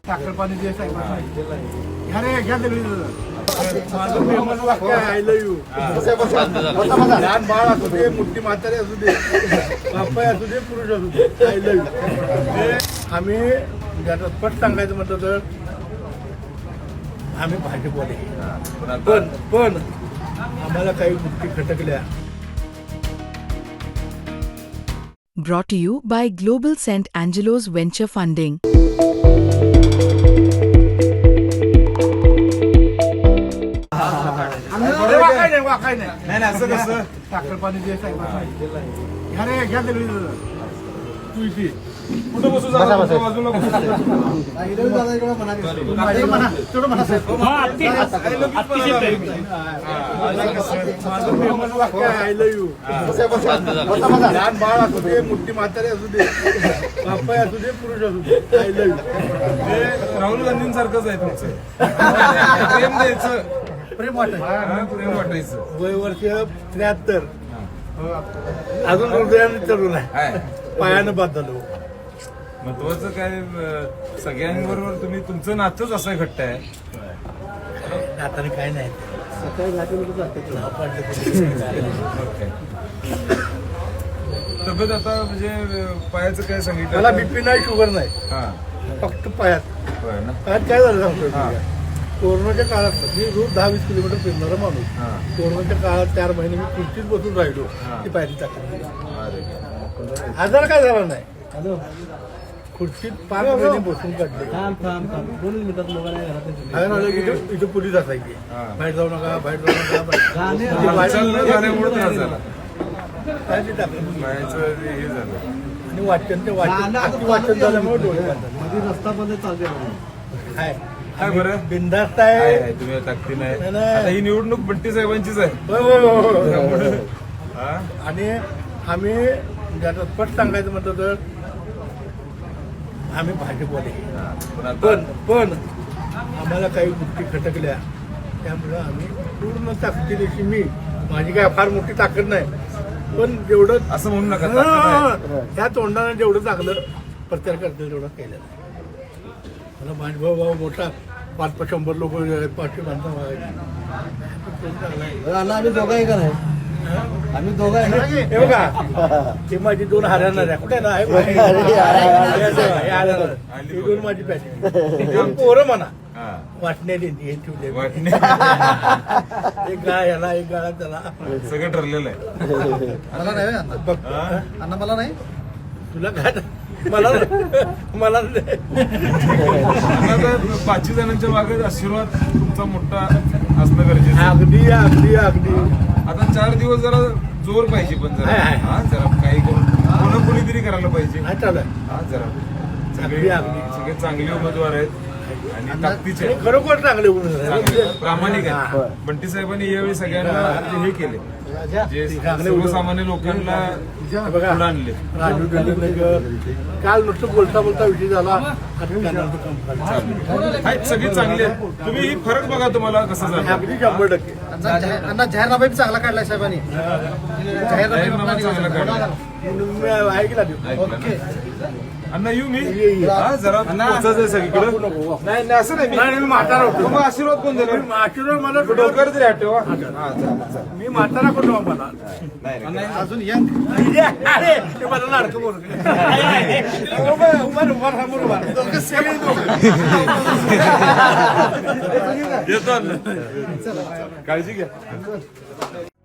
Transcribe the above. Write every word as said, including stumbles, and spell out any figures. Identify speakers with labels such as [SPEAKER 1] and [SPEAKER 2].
[SPEAKER 1] साखर पाणी जे साहेब घ्या रे घ्या ते माझं फेमस वाक्य आहे आय लव्ह यू. लहान बाळ असू दे, मोठी म्हातारी असू दे, बापाय असू दे, पुरुष असू दे, आय लव्ह यू. हे आम्ही ज्याचं स्पष्ट सांगायचं म्हटलं तर आम्ही भाजपवाले, पण पण आम्हाला काही गोष्टी खटकल्या.
[SPEAKER 2] Brought to you by Global Saint Angelo's Venture Funding.
[SPEAKER 1] वाकाय नाही वाकाय नाही नाही असं कसं साखर पाणी जे साहेब घ्या रे घ्या ते तुळशी कुठं बसू बाजूला माझं फेमस वाक्य आहे आय लव्ह यू. लहान बाळ असू दे, मोठी म्हातारी असू दे, बापाय असू दे, पुरुष असू दे, आय लव्ह यू.
[SPEAKER 3] हे राहुल गांधींसारखंच आहे तुमचं. प्रेम द्यायचं,
[SPEAKER 1] प्रेम वाटायचं,
[SPEAKER 3] प्रेम वाटायचं.
[SPEAKER 1] वय वर्ष त्र्याहत्तर, अजून हृदयाने तरुण आहे, पायानं बाद झालो.
[SPEAKER 3] महत्वाचं काय, अं, सगळ्यांबरोबर तुम्ही तुमचं नातंच असं घट्ट आहे.
[SPEAKER 1] नाताने काय नाही, सकाळी
[SPEAKER 3] तब्येत आता म्हणजे अं, पायाचं काय सांगितलं?
[SPEAKER 1] मला बीपी नाही, शुगर नाही,
[SPEAKER 3] हा
[SPEAKER 1] फक्त पायात.
[SPEAKER 3] होय ना.
[SPEAKER 1] पायात काय झालं सांगतो
[SPEAKER 3] हा.
[SPEAKER 1] कोरोनाच्या काळात मी रोज दहा वीस किलोमीटर फिरणारा माणूस.
[SPEAKER 3] हा.
[SPEAKER 1] कोरोनाच्या काळात चार महिने मी खुर्चीत बसून राहिलो,
[SPEAKER 3] हा.
[SPEAKER 1] ती पायरी टाकली.
[SPEAKER 3] अरे.
[SPEAKER 1] आजार काय झाला नाही, खुर्चीत पाच महिने बसून काढले. आजार आलं की इथं- इथं पोलीस असायची,
[SPEAKER 3] हा.
[SPEAKER 1] बाहेर जाऊ नका, बाहेर जाऊ नका, बाहेर- ते
[SPEAKER 3] हालचाल न
[SPEAKER 1] बाहेर-
[SPEAKER 3] झाल्यामुळे त्रास झाला.
[SPEAKER 1] पायरी टाकली.
[SPEAKER 3] पायाचं हे झालं.
[SPEAKER 1] आणि वाचन ते वाचन अति वाचन झाल्यामुळे डोळे बांधले.
[SPEAKER 4] रस्ता बंद चालते
[SPEAKER 1] काय
[SPEAKER 3] काय बरं?
[SPEAKER 1] बिंदास्त
[SPEAKER 3] काय
[SPEAKER 1] आहे.
[SPEAKER 3] आहे, तुम्ही ताकदी नाही.
[SPEAKER 1] नाही, नाही.
[SPEAKER 3] आता ही निवडणूक बंटी साहेबांचीच आहे.
[SPEAKER 1] होय, होय, होय, होय.
[SPEAKER 3] त्यामुळे हा?
[SPEAKER 1] आणि आम्ही ज्याचं स्पष्ट सांगायचं म्हटलं तर आम्ही भाजपवाले,
[SPEAKER 3] पण आता
[SPEAKER 1] पण पण आम्हाला काही गोष्टी खटकल्या, त्यामुळं आम्ही पूर्ण ताकदीनिशी, मी माझी काय फार मोठी ताकद नाही, पण जेवढं
[SPEAKER 3] असं म्हणू नका. ताकद आहे.
[SPEAKER 1] हा, त्या तोंडाने जेवढं चांगलं प्रचार करतील तेवढं केलं. मला माझा भाऊ भाऊ मोठा पाच पाच शंभर लोक पाचशे माणसं मागायची.
[SPEAKER 4] आम्ही दोघं आहे का नाही? आम्ही दोघं आहे ना?
[SPEAKER 1] हे बघा, ते माझी दोन हरणार आहे. कुठे ना आहे ही दोन माझी पॅटी पोरं म्हणा
[SPEAKER 3] हा.
[SPEAKER 1] वाटण्याची हे ठेवले.
[SPEAKER 3] वाटणे.
[SPEAKER 1] एक गाय याला, एक गाळा त्याला.
[SPEAKER 3] सगळं ठरलेलं आहे.
[SPEAKER 4] मला नाही अण्णा.
[SPEAKER 1] बघ,
[SPEAKER 4] अण्णा मला नाही.
[SPEAKER 1] तुला काय मला मला नाही.
[SPEAKER 3] आता पाचशे जणांच्या मागे आशीर्वाद तुमचा मोठा असणं गरजेचं आहे.
[SPEAKER 1] अगदी अगदी अगदी.
[SPEAKER 3] आता चार दिवस जरा जोर पाहिजे, पण जरा
[SPEAKER 1] आहे, आहे.
[SPEAKER 3] हा जरा काही करून कोणा कोणीतरी करायला पाहिजे.
[SPEAKER 1] नाही चालू आहे.
[SPEAKER 3] हा जरा
[SPEAKER 1] अगदी,
[SPEAKER 3] सगळे
[SPEAKER 1] अगदी.
[SPEAKER 3] सगळे चांगले उमेदवार आहेत आणि ताकदीचे
[SPEAKER 1] आणि
[SPEAKER 3] आहेत.
[SPEAKER 1] खरोखर चांगले होऊन
[SPEAKER 3] चांगले, प्रामाणिक
[SPEAKER 1] हा.
[SPEAKER 3] आहेत. बंटी साहेबांनी यावेळी सगळ्यांना हे केले, जे
[SPEAKER 1] चांगले
[SPEAKER 3] सर्वसामान्य लोकांना
[SPEAKER 1] बघा,
[SPEAKER 3] पुढे आणले.
[SPEAKER 1] राजू नगर काल नुसतं बोलता बोलता विषय झाला. आता कानाचं काम झालं.
[SPEAKER 3] आहेत सगळे चांगले आहेत. तुम्ही ही फरक बघा तुम्हाला कसं झालं.
[SPEAKER 1] अगदी शंभर टक्के.
[SPEAKER 4] अण्णा जाहीर- अण्णा जाहीरनामा बी चांगला काढलाय साहेबांनी. जाहीरनामा
[SPEAKER 3] जाहीरनामा चांगला काढला.
[SPEAKER 1] मी ऐकला देऊ.
[SPEAKER 3] ऐकलं ना? अण्णा येऊ मी
[SPEAKER 1] ये, ये.
[SPEAKER 3] हा जरा पोचायचं आहे सगळीकडे.
[SPEAKER 1] नको, नको.
[SPEAKER 3] नाही नाही, असं नाही.
[SPEAKER 1] नाही, मी म्हातारा होतो.
[SPEAKER 3] मग आशीर्वाद कोण देणार?
[SPEAKER 1] मी आशीर्वाद मला
[SPEAKER 3] डोक्यावर तरी आठवा. हा चालेल, चालेल.
[SPEAKER 1] मी म्हातारा कोण मला
[SPEAKER 4] अजून यंग.
[SPEAKER 1] अरे ते मला लाडकं बोल उभा उभा समोर उभा सगळे
[SPEAKER 3] येतो अण्णा. काळजी घ्या.